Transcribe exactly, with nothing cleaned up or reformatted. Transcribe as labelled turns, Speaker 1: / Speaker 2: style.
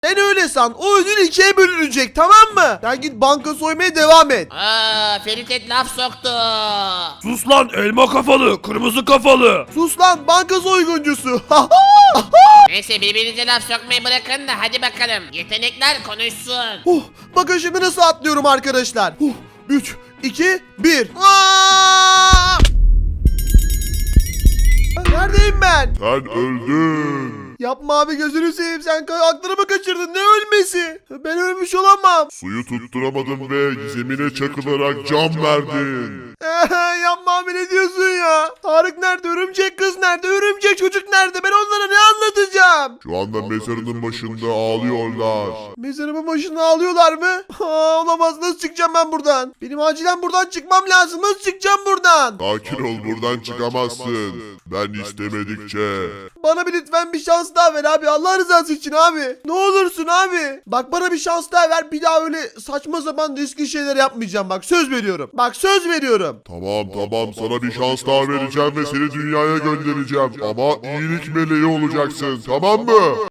Speaker 1: Sen öyle san. O ödül ikiye bölünecek, tamam mı? Sen git banka soymaya devam et.
Speaker 2: Aa, Ferit laf soktu.
Speaker 3: Sus lan elma kafalı, kırmızı kafalı.
Speaker 1: Sus lan, banka soyguncusu.
Speaker 2: Neyse birbirinize laf sokmayı bırakın da hadi bakalım. Yetenekler konuşsun.
Speaker 1: Oh, bakın şimdi nasıl atlıyorum arkadaşlar. Oh, üç, iki, bir. Neredeyim ben?
Speaker 4: Sen öldün.
Speaker 1: Yapma abi, gözünü seveyim, sen ka- aklını mı kaçırdın? Ne ölmesi? Ben ölmüş olamam.
Speaker 4: Suyu tutturamadın ve zemine çakılarak can verdin.
Speaker 1: Yapma abi, ne diyorsun ya? Tarık nerede? Örümcek kız nerede? Örümcek çocuk nerede? Ben onlara ne anlatacağım?
Speaker 4: Şu anda mezarının başında ağlıyorlar.
Speaker 1: Mezarımın başında ağlıyorlar mı? Aa, olamaz, nasıl çıkacağım ben buradan? Benim acilen buradan çıkmam lazım. Nasıl çıkacağım buradan?
Speaker 4: Sakin ol, buradan çıkamazsın. Ben istemedikçe.
Speaker 1: Bana bir lütfen bir şans daha ver abi. Allah rızası için abi. Ne olursun abi. Bak bana bir şans daha ver. Bir daha öyle saçma sapan riskli şeyler yapmayacağım. Bak söz veriyorum. Bak söz veriyorum.
Speaker 4: Tamam tamam, sana bir şans daha vereceğim ve seni dünyaya göndereceğim. Ama iyilik meleği olacaksın, tamam mı?